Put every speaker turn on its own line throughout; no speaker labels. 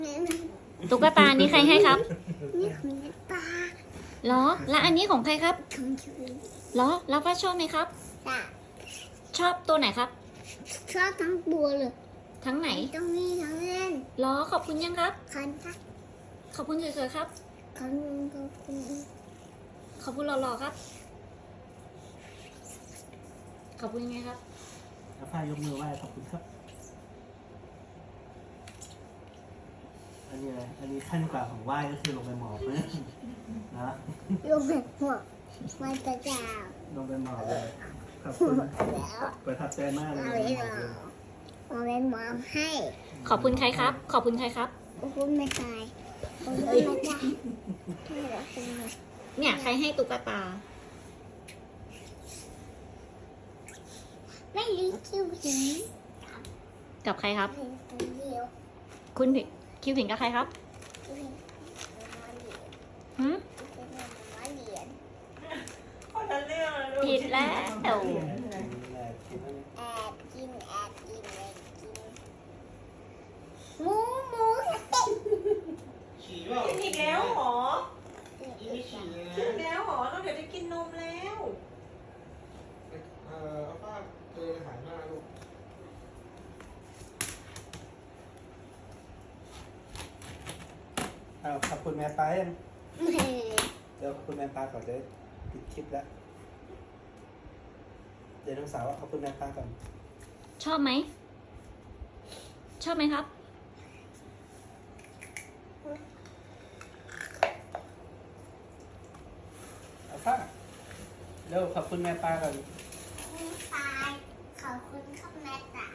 ตุ๊กตานี้ใครให้ครับ
นี่ของปลา
เหรอ แล้วอันนี้ของใครครับ
ของชุย
เหรอ แล้วป้าชอบไหมครับ
จ้ะ
ชอบตัวไหนครับ
ชอบทั้งตัวเลย
ทั้งไหน
ต้องมีทั้งเล่น
เหรอ ขอบคุณยังครับ
คันทัก
ขอบคุณสวยๆครับ
คันกับคุณ
ขอบคุณหล่อๆครับ ขอบคุณยังไงครับ
แล้วฝ้ายยกมือไหว้ขอบคุณครับ อันนี้อะไรอันนี้ขั้นกว่าของไหว้ก็คือลงไปหมอบนะนะ
ลงแบบหัวมันจะจ้า
ลงไปหมอบเลยขอบคุณ
แล้ว
ประทับใจมากเลย
เอา
ลง
ไว้
ไปหม
ร
อบ
อ
เลย
เอาไว้มองให้
ขอบคุณใครครับ ขอบคุณใครครับ
ขอบคุณไม่ตายขอบคุณไม่ตายให้เราเป็น
เนี่ยใครให้ตุ๊กตา
ไม่รู้คิวหิน
กับใครครับ
เป็นตัวเดียว
คุณคิวผิงกับใครครับ
คิวหินมาเหรียญ
หืม
เป็นมาเหรียญ
คนละเรื่องเลยลูก
ผิดแล้ว
แอบกินแอบกินหมูหมู
กินอีกแล้วเหรอกินอีกแล้วเหรอเราเดี๋ยวจะกินนมแล้ว
เอาป้าเจอหายหน้าลูก
เอาขอบคุณแม่ป้ายังเดี๋ยวขอบคุณแม่ป้าก่อนจะได้ปิดคลิปแล้ว เดี๋ยวน้องสาวขอบคุณแม่ป้าก่อน
ชอบไหม ชอบไหมครับ
เอาป้าเร็วขอบคุณแม่ป้าก่อน
ตายขอบคุณครับแม่ตาย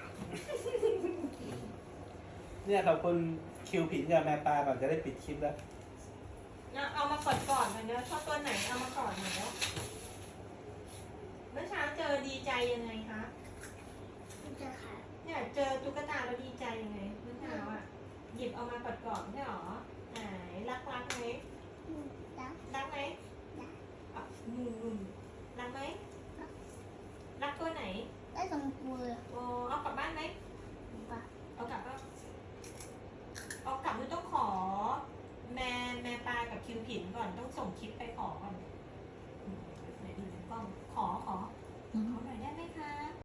เนี่ยขอบคุณคิวผินกับแม่ป้าก่อนจะได้ปิดคลิปแล้ว
เอามากอดก่อนหน่อยเนอะชอบตัวไหนเอามากอดหน่อยเนอะเมื่อเช้าเจอดีใจยังไงคะ
จะค่ะ
เนี่ยเจอตุ๊กตาแล้วดีใจยังไงเมื่อเช้าอ่ะหยิบเอามากอดก่อนใช่หรอไหนรักไหม
แล้ว
รักไหมอ่ะนุ่มรักไหมรักตัวไหน
ได้สองตัวเลย
โอ้เอากลับบ้านไหม
ป่ะ
เอากลับก็เอากลับไม่ต้องขอ แม่ปลากับคิวผินก่อนต้องส่งคลิปไปขอก่อนไหนดูในกล้องขอหน่อยได้ไหมคะ